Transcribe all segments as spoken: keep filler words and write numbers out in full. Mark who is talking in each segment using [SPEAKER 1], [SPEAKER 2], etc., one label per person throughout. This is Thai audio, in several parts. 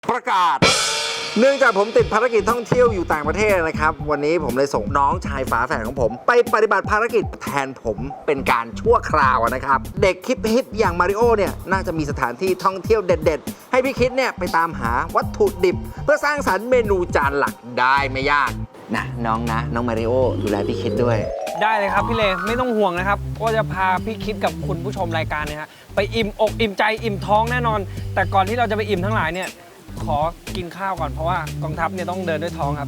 [SPEAKER 1] ประกาศเนื่องจากผมติดภารกิจท่องเที่ยวอยู่ต่างประเทศนะครับวันนี้ผมเลยส่งน้องชายฝาแฝดของผมไปปฏิบัติภารกิจแทนผมเป็นการชั่วคราวนะครับเด็กคิดฮิตอย่างมาริโอเนี่ยน่าจะมีสถานที่ท่องเที่ยวเด็ดๆให้พี่คิดเนี่ยไปตามหาวัตถุดิบเพื่อสร้างสรรค์เมนูจานหลักได้ไม่ยากนะน้องนะน้องมาริโอดูแลพี่คิดด้วย
[SPEAKER 2] ได้เลยครับพี่เลไม่ต้องห่วงนะครับว่าจะพาพี่คิดกับคุณผู้ชมรายการเนี่ยฮะไปอิ่มอกอิ่มใจอิ่มท้องแน่นอนแต่ก่อนที่เราจะไปอิ่มทั้งหลายเนี่ยขอกินข้าวก่อนเพราะว่ากองทัพเนี่ยต้องเดินด้วยท้องครับ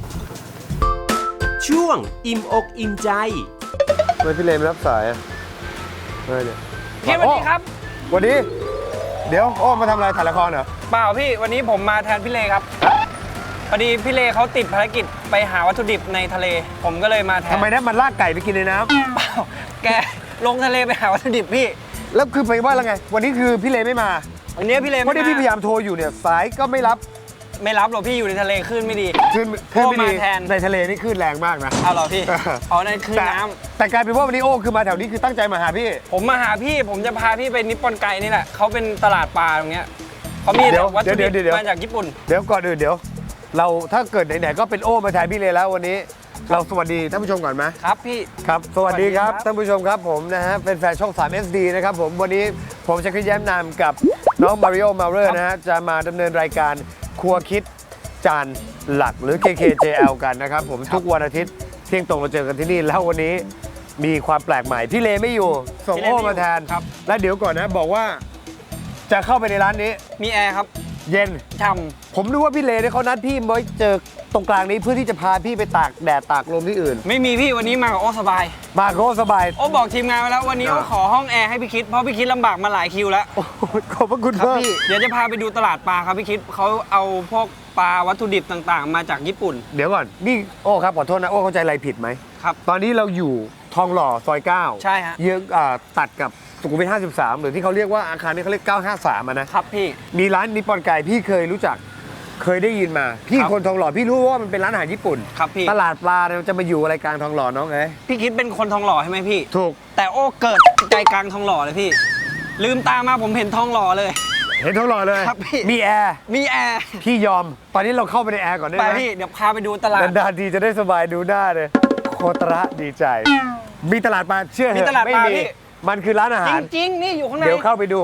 [SPEAKER 3] ช่วงอิ่มอกอิ่มใจ
[SPEAKER 4] ทำไมพี่เลไม่รับสายอ่ะเฮ้ยเนี่ย
[SPEAKER 2] พี่สวัสดีครับ
[SPEAKER 4] วันนี้เดี๋ยวโอ้มาทำอะไรถ่ายละครเหรอ
[SPEAKER 2] เปล่าพี่วันนี้ผมมาแทนพี่เลครับพอดีพี่เลเขาติดภารกิจไปหาวัตถุดิบในทะเลผมก็เลยมาแทน
[SPEAKER 4] ทำไมนะมันลากไก่ไปกินในน้ำ
[SPEAKER 2] เปล่าแกลงทะเลไปหาวัตถุดิบพี่
[SPEAKER 4] แล้วคือไปว่าแล้วไงวันนี้คือพี่เลไม่มา
[SPEAKER 2] วันนี้พี่เล
[SPEAKER 4] เพราะที่พี่พยายามโทรอยู่เนี่ยสายก็ไม่รับ
[SPEAKER 2] ไม่รับหรอกพี่อยู่ในทะเลคลื่นไม่ดี
[SPEAKER 4] คลื่นคลื่นไม่ดี
[SPEAKER 2] แทน
[SPEAKER 4] ในทะเลนี่คลื่นแรงมากนะ
[SPEAKER 2] เอาเหรอพี่อ๋อนั่นคลื่นน้
[SPEAKER 4] ำแต่กลายเป็นว่าวันนี้โอ้คือมาแถวนี้คือตั้งใจมาหาพี่
[SPEAKER 2] ผมมาหาพี่ผมจะพาพี่ไปนิปปอนไกนี่แหละเขาเป็นตลาดปลาตรงเนี้ยเขามีวัตถุดิบมาจากญี่ปุ่น
[SPEAKER 4] เดี๋ยวก่อนอื่นเดี๋ยวเราถ้าเกิดไหนๆก็เป็นโอ้มาแทนพี่เลแล้ววันนี้เราสวัสดีท่านผู้ชมก่อนไหม
[SPEAKER 2] ครับพี่
[SPEAKER 4] ครับสวัสดีครับท่านผู้ชมครับผมนะฮะเป็นแฟนช่อง ทรี เอส ดี นะครับผมวันนี้ผมจะขึ้นแย้มนามกับน้องมาริโอมาเรอร์นะฮะจะมาดำเนินรายการครัวคิดจานหลักหรือ เค เค เจ แอล กันนะครับผมทุกวันอาทิตย์เที่ยงตรงเราเจอกันที่นี่แล้ววันนี้มีความแปลกใหม่พี่เลไม่อยู่ส่งโอ้มาแทนและเดี๋ยวก่อนนะบอกว่าจะเข้าไปในร้านนี้
[SPEAKER 2] มีแอร์ครับ
[SPEAKER 4] เย็น
[SPEAKER 2] ช่
[SPEAKER 4] ำผมรู้ว่าพี่เลเนี่ยเขานัดพี่ไว้เจอตรงกลางนี้เพื่อที่จะพาพี่ไปตากแดดตากลมที่อื่น
[SPEAKER 2] ไม่มีพี่วันนี้มากับโอ้สบาย
[SPEAKER 4] มาโคสบาย
[SPEAKER 2] โอ้บอกทีมงานไว้แล้ววันนี้โอ้ขอห้องแอร์ให้พี่คิดเพราะพี่คิดลำบากมาหลายคิวแล้ว
[SPEAKER 4] ขอบพระคุณ
[SPEAKER 2] ครับพี่เดี๋ยวจะพาไปดูตลาดปลาครับพี่คิดเขาเอาพวกปลาวัตถุดิบต่างๆมาจากญี่ปุ่น
[SPEAKER 4] เดี๋ยวก่อนนี่โอ้ครับขอโทษนะโอ้เข้าใจอะไรผิดไหม
[SPEAKER 2] ครับ
[SPEAKER 4] ตอนนี้เราอยู่ทองหล่อซอยเก้า
[SPEAKER 2] ใช่ฮะ
[SPEAKER 4] เยื้องตัดกับสุขุมวิทห้าสิบสามหรือที่เขาเรียกว่าอาคารนี้เขาเรียกเก้าห้าสามนะครับ
[SPEAKER 2] พี่
[SPEAKER 4] มีร้านนิปปอนไก่พี่เคยรู้จักเคยได้ยินมาพี่คนทองหล่อพี่รู้ว่ามันเป็นร้านอาหารญี่ปุ่น
[SPEAKER 2] ครับพี่
[SPEAKER 4] ตลาดปลาเนี่ยจะมาอยู่อะไรกลางทองหล่อน้องเอ้ย
[SPEAKER 2] พี่คิดเป็นคนทองหล่อใช่ไหมพี่
[SPEAKER 4] ถูก
[SPEAKER 2] แต่โอ้เกิดใจกลางทองหล่อเลยพี่ลืมตามาผมเห็นทองหล่อเลย
[SPEAKER 4] เห็นทองหล่อเลย
[SPEAKER 2] ครับพี่
[SPEAKER 4] มีแอร์
[SPEAKER 2] มีแอร์
[SPEAKER 4] พี่ยอมตอนนี้เราเข้าไปในแอร์ก่อนได้ไหม
[SPEAKER 2] ไปพี่เดี๋ยวพาไปดูตลาด
[SPEAKER 4] นานๆทีจะได้สบายดูหน้าเลยโคตระดีใจมีตลาดปลาเชื่อเหรอ
[SPEAKER 2] มีตลาดปลาพี่
[SPEAKER 4] มันคือร้านอาหาร
[SPEAKER 2] จริงๆนี่อยู่ข้างใน
[SPEAKER 4] เดี๋ยวเข้าไปดู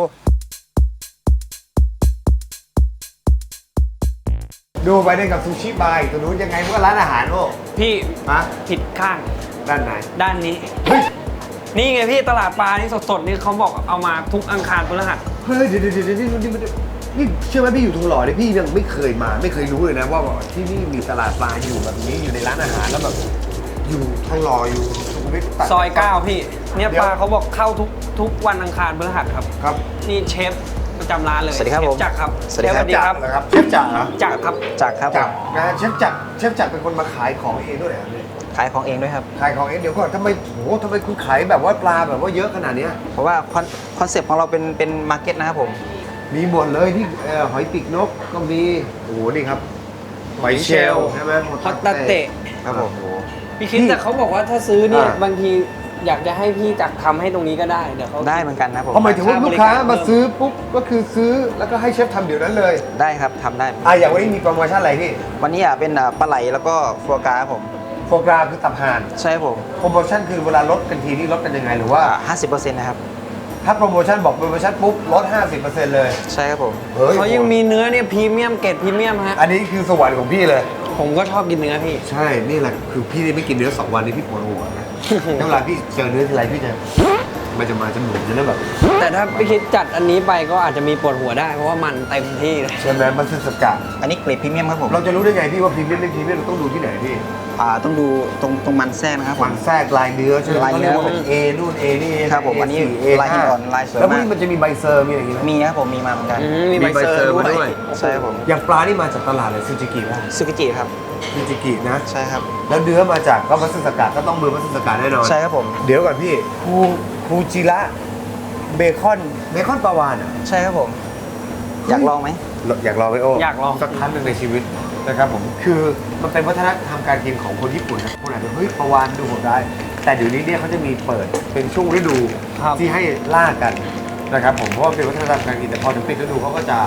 [SPEAKER 4] ดูไปได้กับซูชิบาร์ตัวนู้นยังไงมันก็ร้านอาหารโอ้
[SPEAKER 2] พี่
[SPEAKER 4] ฮะ
[SPEAKER 2] ผิดข้าง
[SPEAKER 4] ด้านไหน
[SPEAKER 2] ด้านนี้
[SPEAKER 4] เฮ้ย
[SPEAKER 2] นี่ไงพี่ตลาดปลานี่สดๆนี่เขาบอกเอามาทุกอังคารพฤหัส
[SPEAKER 4] เฮ้ยเดี๋ยวเดี๋ยวเดี๋ยวนี่นี่นี่เชื่อไหมพี่อยู่ทองหล่อเนี่ยพี่ยังไม่เคยมาไม่เคยรู้เลยนะว่าที่นี่มีตลาดปลาอยู่แบบนี้อยู่ในร้านอาหารแล้วแบบอยู่ทองหล่ออยู่สุขุมวิท
[SPEAKER 2] ซอยเก้าพี่เนี่ยปลาเขาบอกเข้าทุกทุกวันอังคารพฤหัสครับ
[SPEAKER 4] ครับ
[SPEAKER 2] นี่เชฟประจำร้านเลย
[SPEAKER 3] สวัสดีครับผม
[SPEAKER 2] จักรครับ
[SPEAKER 3] สวัสดีครับ
[SPEAKER 4] เชฟจักรเหรอ
[SPEAKER 2] จักรครับ
[SPEAKER 3] จักรครับ
[SPEAKER 4] จักรนะเชฟจักรเชฟจักรเป็นคนมาขายของเองด้วยเหรอเนี่ย
[SPEAKER 3] ขายของเองด้วยครับ
[SPEAKER 4] ขายของเองเดี๋ยวก่อนทำไมโหทำไมคุณขายแบบว่าปลาแบบว่าเยอะขนาดนี้
[SPEAKER 3] เพราะว่าคอนเซ็ปต์ของเราเป็นเป็นมาร์เก็ตนะครับผม
[SPEAKER 4] มีหมดเลยที่หอยปีกนกก็มีโอ้โหนี่ครับหอยเชลล์ใช่ไหม
[SPEAKER 2] ฮอตตาเตะ
[SPEAKER 4] ครับผม
[SPEAKER 2] พี่คิดแต่เขาบอกว่าถ้าซื้อเนี่ยบางทีอยากจะให้พี่จักรทำให้ตรงนี้ก็ได้เดี๋ยวเขา
[SPEAKER 3] ได้เหมือนกันนะผม
[SPEAKER 4] หมายถึงว่าลูกค้ามาซื้อปุ๊บก็คือซื้อแล้วก็ให้เชฟทำเดี๋ยวนั้นเลย
[SPEAKER 3] ได้ครับทำได้
[SPEAKER 4] อ่ะอย่างวันนี้มีโปรโมชั่นอะไรพี่
[SPEAKER 3] วันนี้อ่ะเป็นปลาไหลแล้วก็ฟัวกราครับผม
[SPEAKER 4] โฟกราคือตับห่าน
[SPEAKER 3] ใช่ผม
[SPEAKER 4] โปรโมชั่นคือเวลาลดกันทีนี่ลดกันยังไงหรือว่า
[SPEAKER 3] ห้าสิบเปอร์เซ็นต์ นะครับ
[SPEAKER 4] ถ้าโปรโมชั่นบอกโปรโมชั่นปุ๊บลด ห้าสิบเปอร์เซ็นต์ เลย
[SPEAKER 3] ใช่ครับผม
[SPEAKER 2] เขายังมีเนื้อเนี่ยพรีเมียมเกรดพรีเมียมฮะ
[SPEAKER 4] อันนี้คือสวรรค์ของพี่เลย
[SPEAKER 2] ผมก็ชอบกินเนื้อพี่
[SPEAKER 4] ใช่นี่แหละคือพี่ไม่กินเนื้อสองวันนี้พี่ปวดหัวนะเวลาพี่เจอเนื้อทีไรพี่จะมันจะมาจมูกจะเริ่มแบบ
[SPEAKER 2] แต่ถ้าพี่คิดจัดอันนี้ไปก็อาจจะมีปวดหัวได้เพราะว่ามันเต็มที่เลย
[SPEAKER 4] ใช่ไหมมันคือสกัด
[SPEAKER 3] อันนี้เกรดพรีเมียมครับผม
[SPEAKER 4] เราจะรู้ได้ไงพี่ว่าพรีเมียมไม่พรีเมียมเราต้องดูที่ไหนพี่
[SPEAKER 3] อ่าต้องดูตรงตรงมันแทรกนะครับ
[SPEAKER 4] มันแทรกลายเนื้อใช่ไหม
[SPEAKER 3] ลายเนื้อ
[SPEAKER 4] เป็น A นู่น A นี่
[SPEAKER 3] ครับผมอันนี้ลายหินอ่อนลายสวยมาก
[SPEAKER 4] แล้วพวกนี้มันจะมีใบเซอร์มีอะไรอย่างงี้ไหม
[SPEAKER 3] มีครับผมมีมาเหมือนกัน
[SPEAKER 2] มีใบเซอร์ด้วย
[SPEAKER 3] ใช่ครับผม
[SPEAKER 4] อย่างปลานี่มาจากตลาดเลยซูจิกิป่ะ
[SPEAKER 3] ซูกิจิครับ
[SPEAKER 4] ซูจิกินะ
[SPEAKER 3] ใช่ครับ
[SPEAKER 4] แล้วเนื้อมาจากก็มัสสกัดก็ต้องมือมัสสกัดแน่นอน
[SPEAKER 3] ใช่ครับผม
[SPEAKER 4] เดี๋ยวก่อนพี่คูคูจิระเบคอนเบคอนปลาวาฬอ่ะ
[SPEAKER 3] ใช่ครับผมอยากลองไหม
[SPEAKER 4] อยากลองไหมโอ้
[SPEAKER 2] อยากลอง
[SPEAKER 4] สักครั้งหนึ่งในชีวิตนะครับผมคือมันเป็นวัฒนธรรมการกินของคนญี่ปุ่นนะคนอาจจะเฮ้ยปลาวาฬดูโหดได้แต่เดี๋ยวนี้เนี่ยเขาจะมีเปิดเป็นช่วงฤดูที่ให้ล่ากันนะครับผมเพราะว่าเป็นวัฒนธรรมการกินแต่พอถึงปิดฤดูเขาก็จะ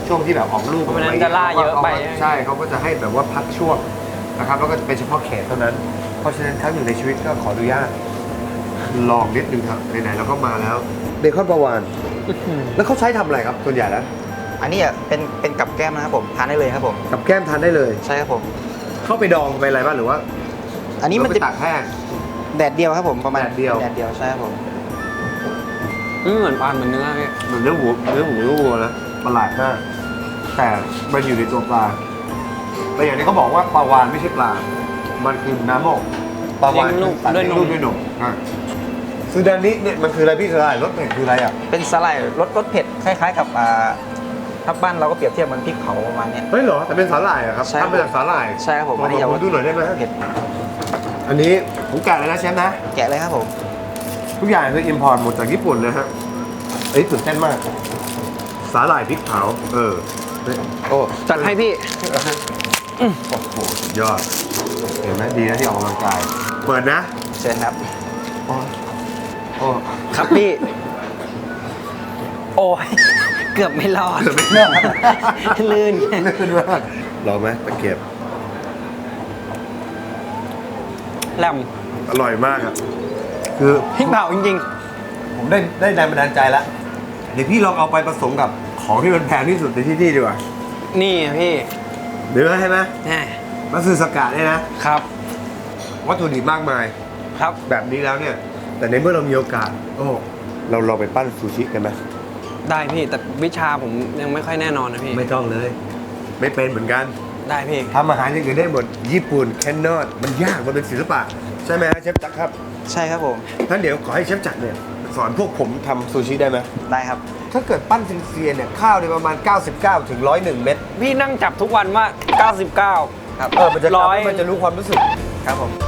[SPEAKER 4] ช่วงที่แบบออกลูก
[SPEAKER 2] เพราะฉะนั้นจะล่าเยอะไป
[SPEAKER 4] ใช่เขาก็จะให้แบบว่าพักช่วงนะครับแล้วก็เป็นเฉพาะเขตเท่านั้น เพราะฉะนั้นครั้งหนึ่งในชีวิตก็ขออนุญาตลองนิดนึงครับไหนๆเราก็มาแล้วเบคอนปลาวานแล้วเขาใช้ทำอะไรครับส่วนใหญ่แล้ว
[SPEAKER 3] อันนี้อ่ะเป็นเป็นกับแก้มนะครับผมทานได้เลยครับผม
[SPEAKER 4] กับแก้มทานได้เลย
[SPEAKER 3] ใช่ครับผม
[SPEAKER 4] เข้าไปดองไปอะไรบ้างหรือว่า
[SPEAKER 3] อันนี้มัน
[SPEAKER 4] เรา
[SPEAKER 3] จะ
[SPEAKER 4] ไปตากแห้ง
[SPEAKER 3] แดดเดียวครับผมประมาณ
[SPEAKER 4] แดดเดียว
[SPEAKER 3] แดดเดียวใช่ครับผม
[SPEAKER 2] อืมเหมือนปลาเหมือนเนื้อพี่
[SPEAKER 4] เหมือนเนื้อหมูเนื้อหมูเนื้อวัวนะประหลาดมากแต่มันอยู่ในตัวปลาแต่อย่างนี้เขาบอกว่าปลาวานไม่ใช่ปลา มันคือน้ำอกปลาวาน
[SPEAKER 2] เลี้ยงลูก
[SPEAKER 4] คือสัต
[SPEAKER 2] ด้วยนม
[SPEAKER 4] เลี้งลูกด้วยนมอ่ะซูดานิเนี่ยมันคืออะไรพี่สลายรสเผ็ดคืออะไรอ่ะ
[SPEAKER 3] เป็นสไลด์รสรสเผ็ดคล้ายๆ กับอ่าถ้าบ้านเราก็เปรียบเทียบเหมือนพริกเผาประมาณเนี้ย
[SPEAKER 4] เฮ้ยเหรอแต่เป็นสาหร่ายเหรอครับ
[SPEAKER 3] ใช่ครับ
[SPEAKER 4] ทำมาจากสาหร่าย
[SPEAKER 3] ใช่ครับผม
[SPEAKER 4] ขอ
[SPEAKER 3] อันนี้
[SPEAKER 4] ข
[SPEAKER 3] จะ
[SPEAKER 4] อผมดูหน่อยได้ไหม
[SPEAKER 3] เผ็ด
[SPEAKER 4] อันนี้ผมแกะเลยนะเชฟนะ
[SPEAKER 3] แกะเลยครับผม
[SPEAKER 4] ทุกอย่างคืออิมพอร์ตหมดจากญี่ปุ่นนะฮะเอ้ยตื่นเต้นมาก สาหร่ายพริกเผาเออเฮ้ยโอ้
[SPEAKER 2] จัดให้พี่
[SPEAKER 4] โอ้โหสุดยอด เห็นไหมดีนะที่ออกกำลังกาย เปิดนะ
[SPEAKER 3] เชิญครับ
[SPEAKER 4] โอ้โอ้
[SPEAKER 2] ครับพี่ โอ้ย เกือบไม่รอด
[SPEAKER 4] เกือบไม่รอด
[SPEAKER 2] ลื่น
[SPEAKER 4] ลื่นมากลองไหมตะเกียบ
[SPEAKER 2] แหลม
[SPEAKER 4] อร่อยมากอ่ะ คือ
[SPEAKER 2] พริกเผาจริง
[SPEAKER 4] ผมได้ได้แรงบันดาลใจแล้ว เดี๋ยวพี่ลองเอาไปผสมกับของที่มันแพงที่สุดในที่นี่ดีกว่า
[SPEAKER 2] ๆ นี่พี่
[SPEAKER 4] เดี๋ยวให้ไหม
[SPEAKER 2] แน่
[SPEAKER 4] มัตสึสกะเนี่ยนะ
[SPEAKER 2] ครับ
[SPEAKER 4] วัตถุดิบมากมาย
[SPEAKER 2] ครับ
[SPEAKER 4] แบบนี้แล้วเนี่ย แต่ในเมื่อเรามีโอกาส โอ้ เราลองไปปั้นซูชิกันไหม
[SPEAKER 2] ได้พี่ แต่วิชาผมยังไม่ค่อยแน่นอนนะพี่
[SPEAKER 4] ไม่ต้องเลย ไม่เป็นเหมือนกัน
[SPEAKER 2] ได้พี่
[SPEAKER 4] ทำอาหารอย่างอื่นได้หมด ญี่ปุ่นแคนนอดมันยาก มันเป็นศิลปะ ใช่ไหมฮะเชฟจักรครับ
[SPEAKER 3] ใช่ครับผม
[SPEAKER 4] ท่านเดี๋ยวขอให้เชฟจักรเนี่ยสอนพวกผมทำซูชิได้ไหม
[SPEAKER 3] ได้ครับ
[SPEAKER 4] ถ้าเกิดปั้นซินเซียเนี่ยข้าวในประมาณ เก้าสิบเก้าถึงหนึ่งร้อยเอ็ด เม็ด
[SPEAKER 2] พี่นั่งจับทุกวันว่า เก้าสิบเก้า
[SPEAKER 3] ครับ
[SPEAKER 4] เออมันจะ
[SPEAKER 2] ร้อย
[SPEAKER 4] มันจะรู้ความรู้สึก
[SPEAKER 3] ครับผม